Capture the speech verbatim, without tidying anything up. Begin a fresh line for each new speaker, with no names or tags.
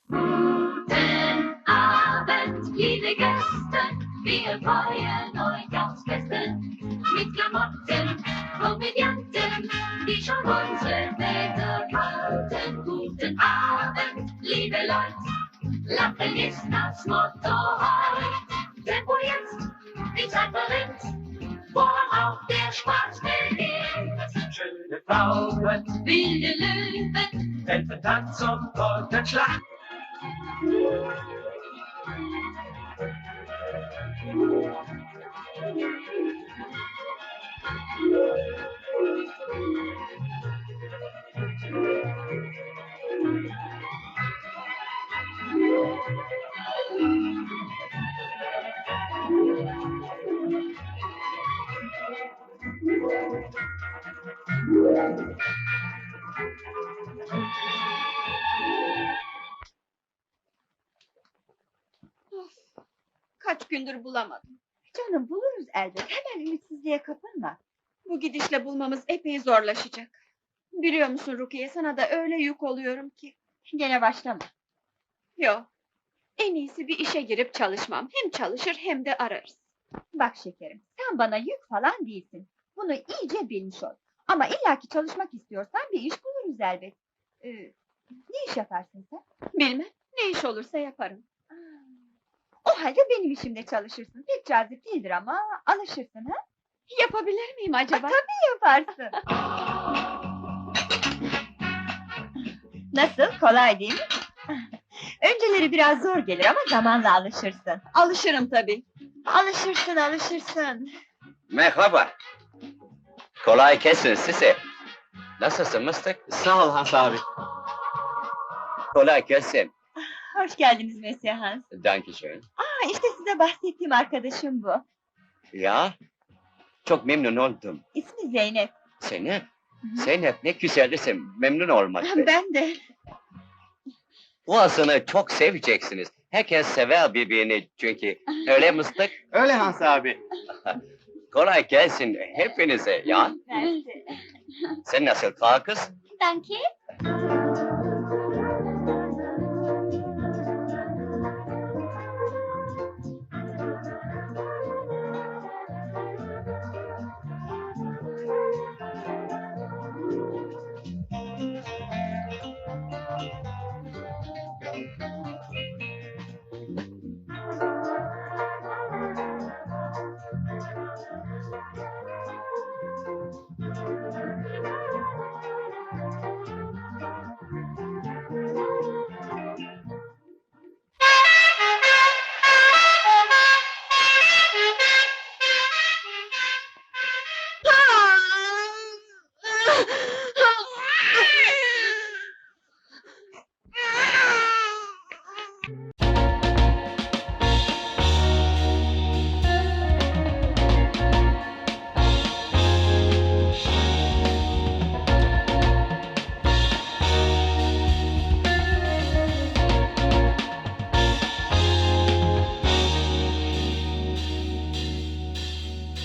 Guten Abend, liebe Gäste, wir freuen euch aufs Beste. Mit Klamotten, Komödianten, die schon unsere Väter kannten. Guten Abend, liebe Leute, Lachen ist das Motto heut. Tempo jetzt, die Zeit verrinnt, woran auch der Spaß beginnt.
Schöne Frauen,
Wilde Löwen,
Elfentanz und Polterschlag.
Kaç gündür bulamadım.
Canım buluruz elbet. Hemen ümitsizliğe kapılma.
Bu gidişle bulmamız epey zorlaşacak. Biliyor musun Rukiye, sana da öyle yük oluyorum ki.
Gene başlama.
Yok. En iyisi bir işe girip çalışmam. Hem çalışır hem de ararız.
Bak şekerim, sen bana yük falan değilsin. Bunu iyice bilmiş ol. Ama illaki çalışmak istiyorsan bir iş buluruz elbet. Ee, ne iş yaparsın sen?
Bilmem, ne iş olursa yaparım.
O halde benim işimde çalışırsın. Pek cazip değildir ama alışırsın ha?
Yapabilir miyim acaba?
Ha, tabii yaparsın. Nasıl? Kolay değil mi? Önceleri biraz zor gelir ama zamanla alışırsın.
Alışırım tabii.
Alışırsın, alışırsın.
Merhaba. Kolay gelsin size. Nasılsın Mıstık?
Sağ ol Hans abi.
Kolay gelsin.
Hoş geldiniz Monsieur Hans.
Dankeschön.
Aa, işte size bahsettiğim arkadaşım bu.
Ya, çok memnun oldum.
İsmi Zeynep.
Zeynep,
hı.
Zeynep ne güzel isim. Memnun olmak.
Ben de.
Boğazını çok seveceksiniz. Herkes sever birbirini çünkü. Öyle Mıstık?
Öyle Hans abi.
Kolay gelsin hepinize ya.
Ben de.
Sen nasıl kal kız?
Danke.